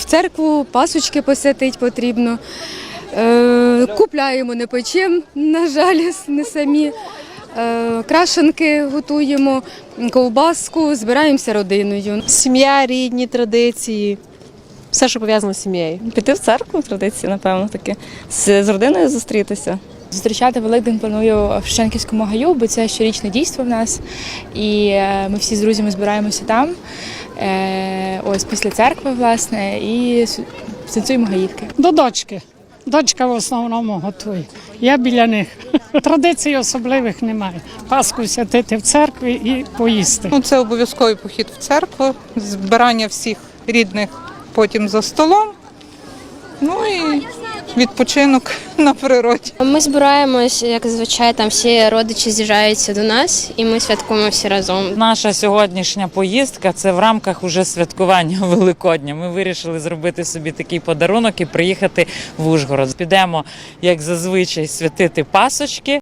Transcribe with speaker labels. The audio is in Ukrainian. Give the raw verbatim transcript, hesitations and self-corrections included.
Speaker 1: церкву, пасочки посвятити потрібно. Е, Купляємо, не печемо, на жаль, не самі. Е, Крашенки готуємо, ковбаску, збираємося родиною.
Speaker 2: Сім'я, рідні традиції, все, що пов'язано з сім'єю.
Speaker 3: Піти в церкву, традиції, напевно, таки. З, з родиною зустрітися.
Speaker 4: Зустрічати Великдень планую в Шевченківському гаю, бо це щорічне дійство в нас. І ми всі з друзями збираємося там, ось після церкви, власне, і танцюємо гаївки.
Speaker 5: До дочки. Дочка в основному готує. Я біля них. Традицій особливих немає. Пасху святити в церкві і поїсти.
Speaker 6: Ну, це обов'язковий похід в церкву, збирання всіх рідних потім за столом, ну і відпочинок на природі.
Speaker 7: Ми збираємось, як зазвичай, там всі родичі з'їжджаються до нас і ми святкуємо всі разом.
Speaker 8: Наша сьогоднішня поїздка – це в рамках уже святкування Великодня. Ми вирішили зробити собі такий подарунок і приїхати в Ужгород. Підемо, як зазвичай, святити пасочки.